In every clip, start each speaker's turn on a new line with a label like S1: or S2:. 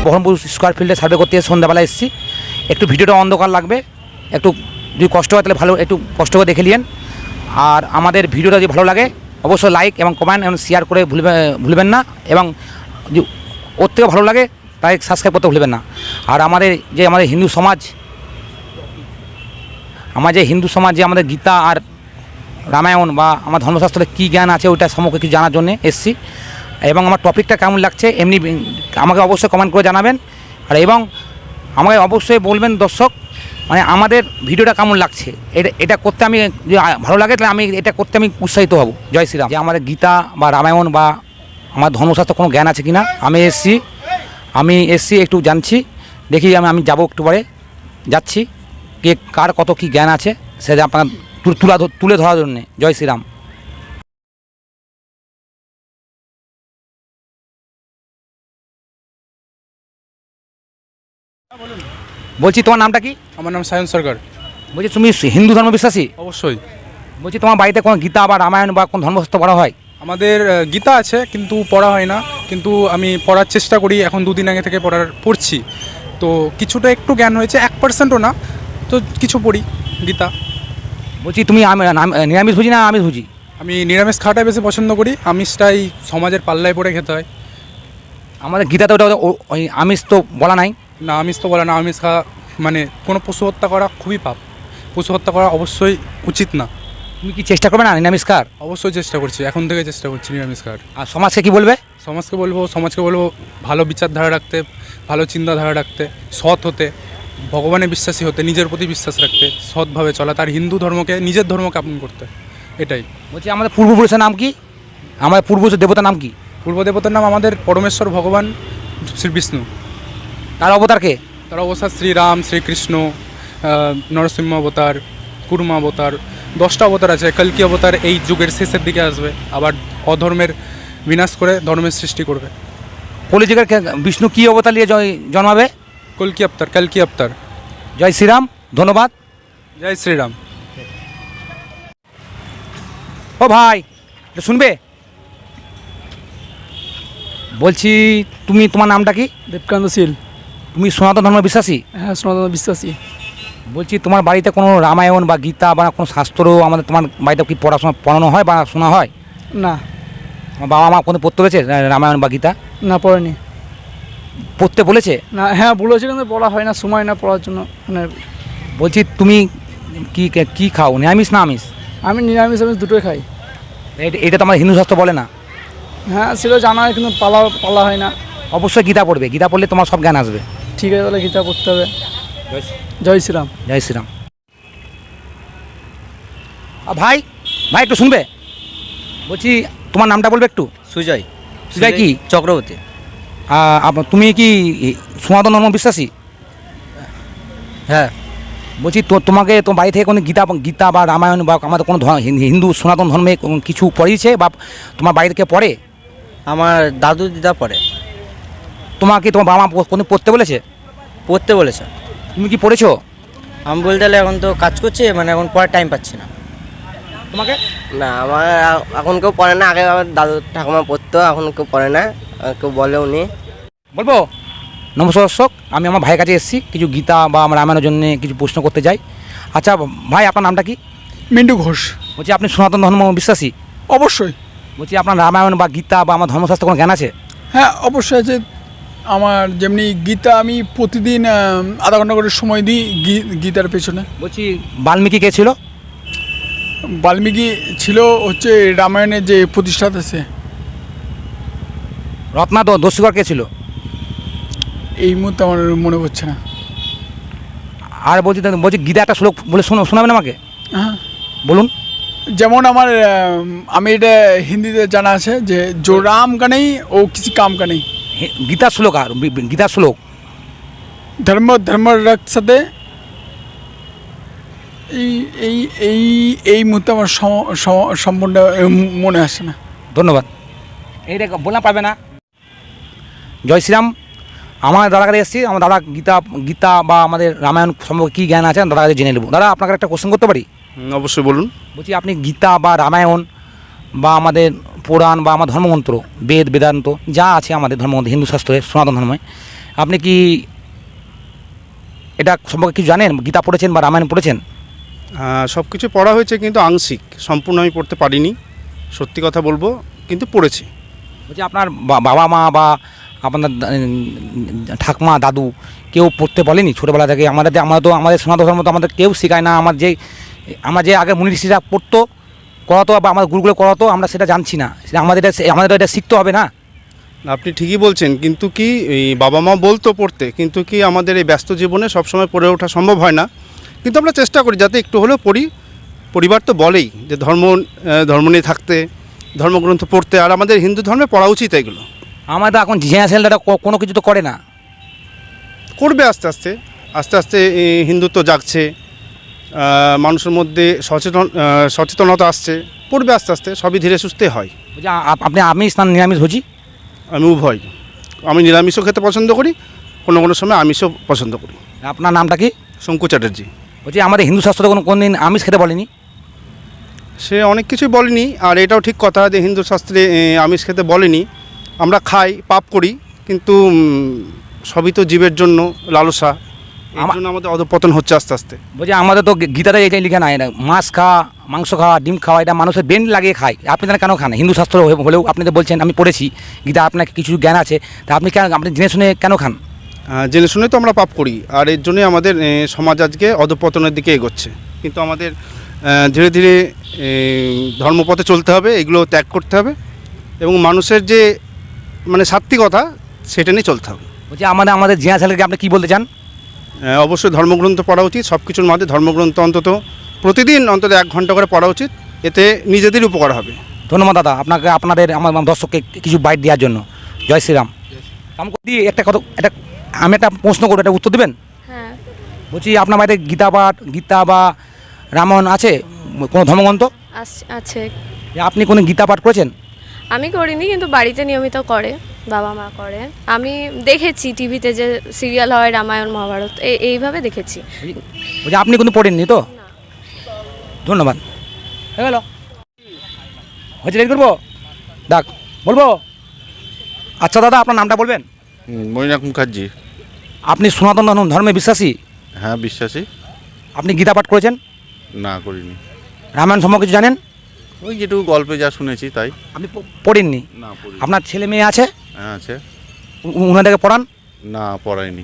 S1: Baharampur square ফিল্ডে survey করতে সন্ধ্যাবেলা এসেছি। একটু ভিডিওটা অন্ধকার লাগবে, একটু যদি কষ্ট হয় তাহলে ভালো, একটু কষ্ট করে দেখে নিন। আর আমাদের ভিডিওটা যদি ভালো লাগে অবশ্যই লাইক এবং কমেন্ট এবং শেয়ার করে ভুলবেন না, এবং যদি ওর থেকে ভালো লাগে তাই সাবস্ক্রাইব করতে ভুলবেন না। আর আমাদের হিন্দু সমাজ, যে আমাদের গীতা আর রামায়ণ বা আমার ধর্মশাস্ত্রে কী জ্ঞান আছে ওইটা সম্পর্কে কিছু জানার জন্য এসেছি। এবং আমার টপিকটা কেমন লাগছে এমনি আমাকে অবশ্যই কমেন্ট করে জানাবেন। আর এবং আমাকে অবশ্যই বলবেন দর্শক, মানে আমাদের ভিডিওটা কেমন লাগছে, এটা করতে আমি যদি ভালো লাগে তাহলে এটা করতে আমি উৎসাহিত হব। জয় শ্রীরাম। যে আমাদের গীতা বা রামায়ণ বা আমার ধর্মশাস্ত্র কোনো জ্ঞান আছে কি না, আমি এসছি একটু জানছি, দেখি আমি যাবো, একটু পরে যাচ্ছি, কে কার কত কী জ্ঞান আছে সেটা আপনার তুলে ধরার জন্যে। জয় শ্রীরাম। বলছি তোমার নামটা কি?
S2: আমার নাম সায়ন সরকার।
S1: বলছি তুমি হিন্দু ধর্ম বিশ্বাসী?
S2: অবশ্যই।
S1: বলছি তোমার বাড়িতে কোনো গীতা বা রামায়ণ বা কোনো ধর্মশাস্ত্র পড়া হয়?
S2: আমাদের গীতা আছে কিন্তু পড়া হয় না, কিন্তু আমি পড়ার চেষ্টা করি, এখন 2 দিন আগে থেকে পড়ছি, তো কিছুটা একটু জ্ঞান হয়েছে, 1%ও না, তো কিছু পড়ি গীতা।
S1: বলছি তুমি নিরামিষ ভুজি না আমিষ ভুজি?
S2: আমি নিরামিষ খাওয়াটাই বেশি পছন্দ করি, আমিষটাই সমাজের পাল্লায় পড়ে খেতে হয়।
S1: আমাদের গীতাতে ওটা ওই আমিষ তো বলা নাই।
S2: না, আমিষ তো বলে না, আমিষ খাওয়া মানে কোনো পশু হত্যা করা খুবই পাপ, পশু হত্যা করা অবশ্যই উচিত না।
S1: তুমি কি চেষ্টা করবে না নিরামিষ খাওয়ার?
S2: অবশ্যই চেষ্টা করছি, এখন থেকে চেষ্টা করছি নিরামিষ খাওয়ার।
S1: আর সমাজকে কি বলবে?
S2: সমাজকে বলবো ভালো বিচারধারা রাখতে, ভালো চিন্তাধারা রাখতে, সৎ হতে, ভগবানে বিশ্বাসী হতে, নিজের প্রতি বিশ্বাস রাখতে, সৎভাবে চলা, তার হিন্দু ধর্মকে নিজের ধর্মকে আপন করতে, এটাই।
S1: বলছি আমাদের পূর্বপুরুষের নাম কি? আমাদের পূর্বপুরুষের দেবতার নাম কি?
S2: পূর্বদেবতার নাম আমাদের পরমেশ্বর ভগবান শ্রী বিষ্ণু।
S1: তার অবতার কে?
S2: তার অবতার শ্রীরাম, শ্রীকৃষ্ণ, নরসিংহ অবতার, কুর্মা অবতার, 10টা অবতার আছে। কল্কি অবতার এই যুগের শেষের দিকে আসবে, আবার অধর্মের বিনাশ করে ধর্মের সৃষ্টি করবে।
S1: কলিযুগের বিষ্ণু কি অবতার নিয়ে জন্মাবে?
S2: কল্কি অবতার।
S1: জয় শ্রীরাম, ধন্যবাদ।
S2: জয় শ্রীরাম।
S1: ও ভাই এটা শুনবে? বলছি তোমার নামটা কি?
S3: দেবকান্ত শীল।
S1: তুমি সনাতন ধর্ম বিশ্বাসী?
S3: হ্যাঁ, সনাতন বিশ্বাসী।
S1: বলছি তোমার বাড়িতে কোনো রামায়ণ বা গীতা বা কোনো শাস্ত্র তোমার বাড়িতে কি পড়ানো হয় বা শোনা হয়?
S3: না।
S1: আমার বাবা মা কোনো পড়তে বলেছে রামায়ণ বা গীতা?
S3: না, পড়েনি।
S1: পড়তে বলেছে?
S3: না, হ্যাঁ বলেছে কিন্তু পড়া হয় না, সময় না পড়ার জন্য। মানে
S1: বলছি তুমি কি খাও, নিরামিষ না আমিষ?
S3: আমি নিরামিষ দুটোই খাই।
S1: এটা তো আমার হিন্দু শাস্ত্র বলে না।
S3: হ্যাঁ, সেটা জানা হয় কিন্তু পালা হয় না।
S1: অবশ্যই গীতা পড়বে, গীতা পড়লে তোমার সব জ্ঞান আসবে।
S3: ঠিক আছে, তাহলে গীতা পড়তে হবে। জয় শ্রীরাম।
S1: জয় শ্রীরাম। ভাই একটু শুনবে? বলছি তোমার নামটা বলবে একটু?
S4: সুজয়।
S1: সুজয় কি
S4: চক্রবর্তী।
S1: তুমি কি সনাতন ধর্ম বিশ্বাসী?
S4: হ্যাঁ।
S1: বলছি তোমাকে তোমার বাড়ি থেকে কোনো গীতা বা রামায়ণ বা আমাদের কোনো হিন্দু সনাতন ধর্মে কিছু পড়িয়েছে বা তোমার বাড়ি থেকে পড়ে?
S4: আমার দাদু দিদা পড়ে।
S1: তোমাকে তোমার বাবা মা কোনো পড়তে বলেছে?
S4: পড়তে বলেছে।
S1: তুমি কি পড়েছো?
S4: আমি বলতে গেলে এখন তো কাজ করছি, মানে এখন পড়ার টাইম পাচ্ছি না।
S1: তোমাকে?
S5: না, আমার এখন কেউ পড়ে না, আগে আমার দাদু ঠাকুমা পড়তো, এখন কেউ পড়ে না, কেউ বলেও নি।
S1: বলবো? নমস্কার দর্শক, আমি আমার ভাইয়ের কাছে এসেছি, কিছু গীতা বা রামায়ণের জন্য কিছু প্রশ্ন করতে চাই। আচ্ছা ভাই, আপনার নামটা কি?
S3: মিন্টু ঘোষ।
S1: বলছি আপনি সনাতন ধর্ম বিশ্বাসী?
S3: অবশ্যই।
S1: বলছি আপনার রামায়ণ বা গীতা বা আমার ধর্মশাস্ত্র কোনো জ্ঞান আছে?
S3: হ্যাঁ, অবশ্যই আছে। আমার যেমনি গীতা আমি প্রতিদিন আধা ঘন্টা করে সময় দিই গীতার পেছনে।
S1: বলছি বাল্মীকি কে ছিল?
S3: বাল্মীকি ছিল হচ্ছে রামায়ণের যে প্রতিষ্ঠাতা সে।
S1: দস্যুকর কে ছিল?
S3: এই মুহূর্তে আমার মনে পড়ছে না।
S1: আর বলছি গীতা একটা শ্লোক বলে শোনাবেন আমাকে?
S3: হ্যাঁ
S1: বলুন।
S3: যেমন আমি এটা হিন্দিতে জানা আছে যে জো রাম কা নেই ও কিসি কাম কা নেই।
S1: গীতার শ্লোক আর গীতার শ্লোক
S3: ধর্ম রক্ষতে। এই মুহূর্তে আমার সম্পূর্ণ মনে আসে না।
S1: ধন্যবাদ। এইটা বললাম পারবে না। জয় শ্রীরাম। আমার দাদার কাছে এসেছি, আমার দাদা গীতা বা আমাদের রামায়ণ সম্পর্কে কী জ্ঞান আছে দাদার কাছে জেনে নেব। দাদা আপনাকে একটা কোশ্চেন করতে পারি?
S2: অবশ্যই বলুন।
S1: বলছি আপনি গীতা বা রামায়ণ বা আমাদের পুরাণ বা আমার ধর্মগ্রন্থ বেদান্ত যা আছে আমাদের ধর্মগ্রন্থ হিন্দু শাস্ত্রে সনাতন ধর্মে, আপনি কি এটা সম্পর্কে কিছু জানেন? গীতা পড়েছেন বা রামায়ণ পড়েছেন?
S6: সব কিছু পড়া হয়েছে কিন্তু আংশিক, সম্পূর্ণ আমি পড়তে পারিনি, সত্যি কথা বলবো, কিন্তু পড়েছি।
S1: বলছি আপনার বাবা মা বা আপনার ঠাকমা দাদু কেউ পড়তে বলেনি ছোটোবেলা থেকে? আমাদের সনাতন ধর্ম তো আমাদের কেউ শেখায় না। আমার যে আগে মুনি ঋষিরা পড়তো, করাতো বা আমাদের গুরুগুলো করাতো, আমরা সেটা জানছি না। সেটা আমাদের এটা শিখতে হবে না?
S6: আপনি ঠিকই বলছেন, কিন্তু কি এই বাবা মা বলতো পড়তে, কিন্তু কি আমাদের এই ব্যস্ত জীবনে সবসময় পড়ে ওঠা সম্ভব হয় না। কিন্তু আমরা চেষ্টা করি যাতে একটু হলেও পড়ি। পরিবার তো বলেই যে ধর্ম নিয়ে থাকতে, ধর্মগ্রন্থ পড়তে, আর আমাদের হিন্দু ধর্মে পড়া উচিত এগুলো।
S1: আমাদের এখন জেনারেশনটা কোনো কিছু তো করে না।
S6: করবে আস্তে আস্তে আস্তে আস্তে। হিন্দুত্ব জাগছে, মানুষের মধ্যে সচেতনতা আসছে, পড়বে আস্তে আস্তে, সবই ধীরে সুস্থে হয়।
S1: বলছি আপনি আমিষ না নিরামিষ ভোজি?
S6: আমি উভয়, আমি নিরামিষও খেতে পছন্দ করি, কোনো কোনো সময় আমিষও পছন্দ করি।
S1: আপনার নামটা কি?
S6: শঙ্কু চ্যাটার্জি।
S1: বলছি আমাদের হিন্দু শাস্ত্রে কোনো দিন আমিষ খেতে বলেনি?
S6: সে অনেক কিছুই বলেনি, আর এটাও ঠিক কথা যে হিন্দু শাস্ত্রে আমিষ খেতে বলেনি। আমরা খাই, পাপ করি, কিন্তু সবই তো জীবের জন্য লালসা, এই জন্য আমাদের অধঃপতন হচ্ছে আস্তে আস্তে।
S1: বলছি আমাদের তো গীতাতে এটাই লিখে না, মাছ খাওয়া, মাংস খাওয়া, ডিম খাওয়া, এটা মানুষের ব্রেন লাগিয়ে খায়। আপনি তারা কেন খান? হিন্দু শাস্ত্র হলেও আপনি তো বলছেন আমি পড়েছি গীতা, আপনার কিছু জ্ঞান আছে, তা আপনি জেনে শুনে কেন খান?
S6: জেনে শুনে তো আমরা পাপ করি, আর এর জন্যই আমাদের সমাজ আজকে অধঃপতনের দিকে এগোচ্ছে। কিন্তু আমাদের ধীরে ধীরে ধর্মপথে চলতে হবে, এগুলো ত্যাগ করতে হবে, এবং মানুষের যে মানে সাত্বিকতা সেটা নিয়ে চলতে হবে।
S1: বলছি আমাদের জেনারেশনকে আপনি কী বলতে চান?
S6: অবশ্যই ধর্মগ্রন্থ পড়া উচিত, সব কিছুর মধ্যে ধর্মগ্রন্থ অন্তত প্রতিদিন অন্তত 1 ঘন্টা করে পড়া উচিত, এতে নিজেদের উপকার হবে।
S1: ধন্যবাদ দাদা আপনাদের আমার দর্শককে কিছু বাইট দেওয়ার জন্য। জয় শ্রীরাম। দিয়ে আমি একটা প্রশ্ন করবো, একটা উত্তর দেবেন?
S7: হ্যাঁ।
S1: বলছি আপনার বাড়িতে গীতা বা রামায়ণ আছে, কোনো ধর্মগ্রন্থ
S7: আছে।
S1: আপনি কোনো গীতা পাঠ করেছেন?
S7: আমি করিনি, কিন্তু বাড়িতে নিয়মিত করে, বাবা মা করে। আমি দেখেছি টিভিতে যে সিরিয়াল হয় রামায়ণ মহাভারত, এইভাবে দেখেছি।
S1: বলছি আপনি কোনো পড়েননি তো? ধন্যবাদ। হয়ে গেল, হচ্ছে রেডি করবো? দেখ বলবো। আচ্ছা দাদা আপনার নামটা বলবেন?
S8: মৈনাক মুখার্জি।
S1: আপনি সনাতন ধর্মে বিশ্বাসী?
S8: হ্যাঁ বিশ্বাসী।
S1: আপনি গীতা পাঠ করেছেন?
S8: না করিনি।
S1: রামায়ণ সম্পর্কে কিছু জানেন?
S8: ওই যেটুকু গল্পে যা শুনেছি তাই।
S1: আপনি পড়েননি?
S8: না পড়ি।
S1: আপনার ছেলে মেয়ে আছে?
S8: হ্যাঁ আছে।
S1: উনাদেরকে পড়ান?
S8: না পড়াইনি,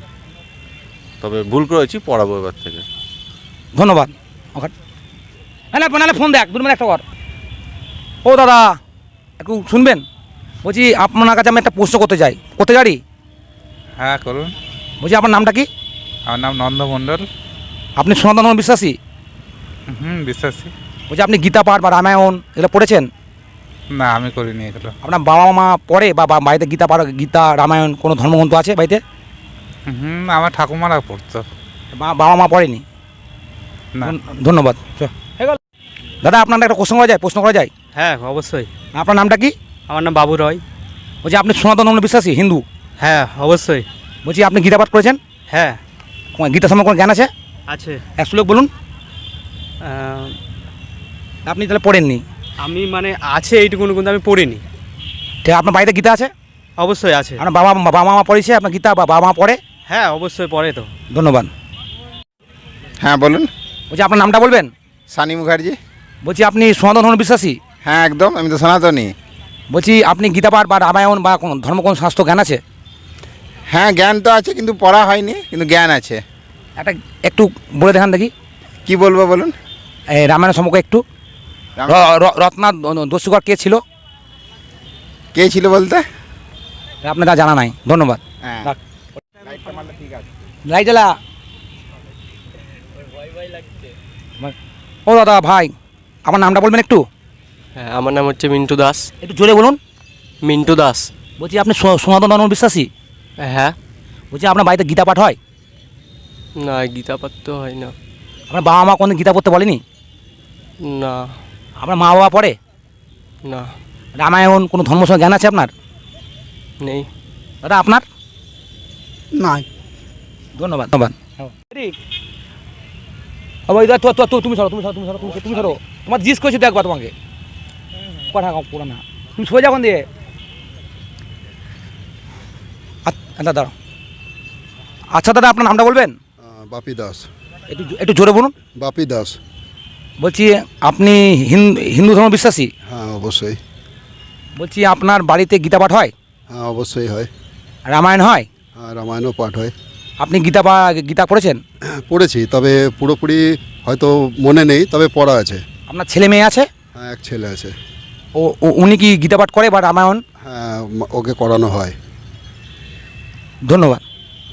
S8: তবে ভুল করেছি, পড়াবো এবার থেকে।
S1: ধন্যবাদ। নাহলে ফোন দেখ 2 মিনিট একটা কর। ও দাদা একটু শুনবেন? বলছি আপনার কাছে আমি একটা প্রশ্ন করতে চাই।
S9: হ্যাঁ করুন।
S1: বলছি আপনার নামটা কি?
S9: আমার নাম নন্দ মণ্ডল।
S1: আপনি সনাতন ধর্ম বিশ্বাসী?
S9: বিশ্বাসী।
S1: বলছি আপনি গীতা পাঠ বা রামায়ণ এগুলো পড়েছেন?
S9: না আমি করিনি এগুলো।
S1: আপনার বাবা মা পড়ে বা বাড়িতে গীতা রামায়ণ কোনো ধর্মগ্রন্থ আছে বাড়িতে?
S9: আমার ঠাকুমারা পড়তো।
S1: বাবা মা পড়েনি?
S9: না।
S1: ধন্যবাদ। দাদা আপনার একটা প্রশ্ন করা যায়?
S4: হ্যাঁ অবশ্যই।
S1: আপনার নামটা কি?
S4: আমার নাম বাবু রয়।
S1: বলছি আপনি সনাতন ধর্ম বিশ্বাসী হিন্দু?
S4: হ্যাঁ অবশ্যই।
S1: বলছি আপনি গীতা পাঠ করেছেন?
S4: হ্যাঁ
S1: গীতা সম্পর্কে কোনো জ্ঞান আছে?
S4: আছে।
S1: এক শ্লোক বলুন। আপনি তাহলে পড়েননি?
S4: আমি মানে আছে এইটুকুন, কিন্তু আমি পড়িনি।
S1: ঠিক, আপনার বাড়িতে গীতা আছে?
S4: অবশ্যই আছে।
S1: আপনার বাবা মা পড়েছে আপনার গীতা বা বাবা মা পড়ে?
S4: হ্যাঁ অবশ্যই পড়ে তো।
S1: ধন্যবাদ।
S8: হ্যাঁ বলুন।
S1: বলছি আপনার নামটা বলবেন?
S8: সানি মুখার্জি।
S1: বলছি আপনি সনাতন ধর্ম বিশ্বাসী?
S8: হ্যাঁ একদম, আমি তো সনাতনী।
S1: বলছি আপনি গীতা পাঠ বা রামায়ণ বা কোন শাস্ত্র জ্ঞান আছে?
S8: হ্যাঁ জ্ঞান তো আছে, কিন্তু পড়া হয়নি, কিন্তু জ্ঞান আছে।
S1: একটু বলে দেখান দেখি।
S8: কি বলবো বলুন?
S1: এই রামায়ণ সম্পর্কে একটু। রত্না দস্যুকর কে ছিল?
S8: কে ছিল বলতে?
S1: আপনার তা জানা নাই। ধন্যবাদ।
S8: হ্যাঁ।
S1: লাইট জ্বালা। ও দাদা ভাই আমার নামটা বলবেন একটু?
S5: হ্যাঁ, আমার নাম হচ্ছে মিন্টু দাস।
S1: একটু জোরে বলুন।
S5: মিন্টু দাস।
S1: বলছি আপনি সনাতন ধর্ম বিশ্বাসী?
S5: হ্যাঁ।
S1: বলছি আপনার বাড়িতে গীতা পাঠ হয়?
S5: না, গীতা পাঠ তো হয় না।
S1: আপনার বাবা মা কোনো গীতা পড়তে বলেনি?
S5: না।
S1: আপনার মা বাবা পড়ে?
S5: না।
S1: রামায়ণ কোনো ধর্ম জ্ঞান আছে আপনার?
S5: নেই।
S1: দাদা আপনার?
S3: নাই।
S1: ধন্যবাদ। তুমি সরো। তোমার জিজ্ঞেস করছি তো একবার তোমাকে। কথা পড়া না, তুমি সোজা কোন দিয়ে? দাঁড়াও। আচ্ছা দাদা, আপনার নামটা বলবেন?
S10: বাপি দাস।
S1: একটু একটু জোরে বলুন।
S10: বাপি দাস।
S1: বলছি আপনি হিন্দু ধর্ম বিশ্বাসী?
S10: হ্যাঁ অবশ্যই।
S1: বলছি আপনার বাড়িতে গীতা পাঠ হয়?
S10: হ্যাঁ অবশ্যই হয়।
S1: রামায়ণ হয়?
S10: হ্যাঁ রামায়ণও পাঠ হয়।
S1: আপনি গীতা পড়েছেন?
S10: পড়েছি, তবে পুরোপুরি হয়তো মনে নেই, তবে পড়া আছে।
S1: আপনার ছেলে মেয়ে আছে?
S10: হ্যাঁ এক ছেলে আছে।
S1: উনি কি গীতা পাঠ করে বা রামায়ণ?
S10: হ্যাঁ ওকে করানো হয়।
S1: ধন্যবাদ।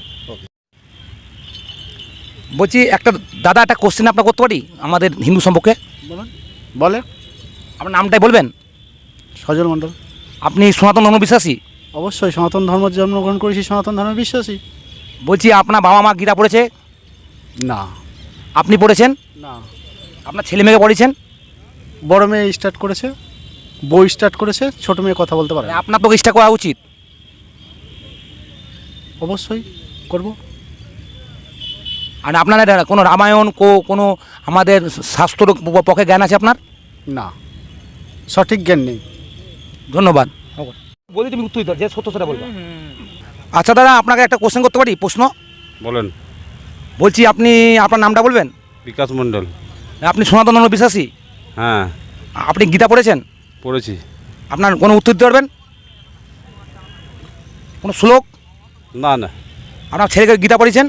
S1: বলছি দাদা একটা কোশ্চেন আপনার করতে পারি আমাদের হিন্দু সম্পর্কে?
S6: বলে
S1: আপনার নামটাই বলবেন?
S6: সজল মণ্ডল।
S1: আপনি সনাতন ধর্ম বিশ্বাসী?
S6: অবশ্যই সনাতন ধর্ম জন্মগ্রহণ করেছি, সনাতন ধর্মে বিশ্বাসী।
S1: বলছি আপনার বাবা মা গীতা পড়েছে?
S6: না।
S1: আপনি পড়েছেন?
S6: না।
S1: আপনার ছেলে মেয়েকে পড়েছেন?
S6: বড় মেয়ে স্টার্ট করেছে, বই স্টার্ট করেছে, ছোট মেয়ে কথা বলতে পারে।
S1: আপনার তো চেষ্টা করা উচিত।
S6: অবশ্যই করব।
S1: আর আপনার কোনো রামায়ণ কোনো আমাদের শাস্ত্র পক্ষে জ্ঞান আছে আপনার?
S6: না, সঠিক জ্ঞান নেই।
S1: ধন্যবাদ। বলি তুমি উত্তর দাও, যে সত্য সেটা বলবো। আচ্ছা দাদা, আপনাকে একটা কোশ্চেন করতে পারি? প্রশ্ন
S8: বলেন।
S1: বলছি আপনার নামটা বলবেন?
S8: বিকাশ মণ্ডল।
S1: আপনি সনাতন ধর্ম বিশ্বাসী?
S8: হ্যাঁ
S1: আপনি গীতা পড়েছেন?
S8: পড়েছি।
S1: আপনার কোনো উত্তর দিতে পারবেন? কোনো শ্লোক?
S8: না না।
S1: আপনার ছেলেকে গীতা পড়েছেন?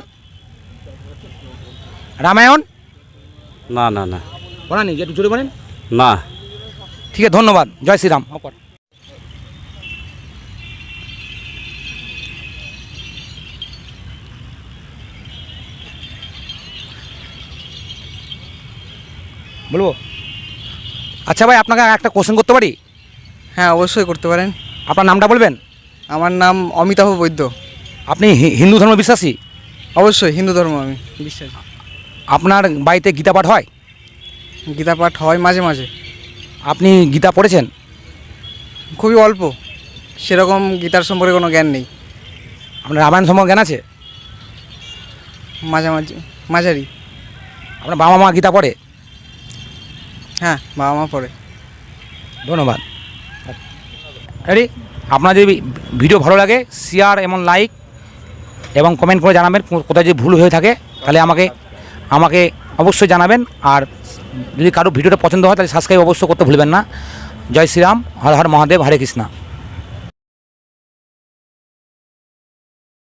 S1: রামায়ণ?
S8: না না না।
S1: পড়া নেই, একটু জোরে বলেন।
S8: না।
S1: ঠিক আছে, ধন্যবাদ। জয় শ্রীরাম। বলবো? আচ্ছা ভাই, আপনাকে একটা কোশ্চেন করতে পারি?
S4: হ্যাঁ অবশ্যই করতে পারেন।
S1: আপনার নামটা বলবেন?
S4: আমার নাম অমিতাভ বৈদ্য।
S1: আপনি হিন্দু ধর্ম বিশ্বাসী?
S4: অবশ্যই হিন্দু ধর্ম আমি বিশ্বাসী।
S1: আপনার বাড়িতে গীতা পাঠ হয়?
S4: গীতা পাঠ হয় মাঝে মাঝে।
S1: আপনি গীতা পড়েছেন?
S4: খুবই অল্প, সেরকম গীতার সম্পর্কে কোনো জ্ঞান নেই।
S1: আপনার রামায়ণ সম্পর্কে জ্ঞান আছে?
S4: মাঝামাঝি, মাঝারি।
S1: আপনার বাবা মা গীতা পড়ে?
S4: হ্যাঁ বাবা মা পড়ে।
S1: ধন্যবাদ। রেডি? আপনার যদি ভিডিও ভালো লাগে শেয়ার এবং লাইক এবং কমেন্ট করে জানাবেন। কোথায় যদি ভুল হয়ে থাকে তাহলে আমাকে অবশ্যই জানাবেন। আর যদি কারো ভিডিওটা পছন্দ হয় তাহলে সাবস্ক্রাইব অবশ্যই করতে ভুলবেন না। জয় শ্রীরাম, হর হর মহাদেব, হরে কৃষ্ণা।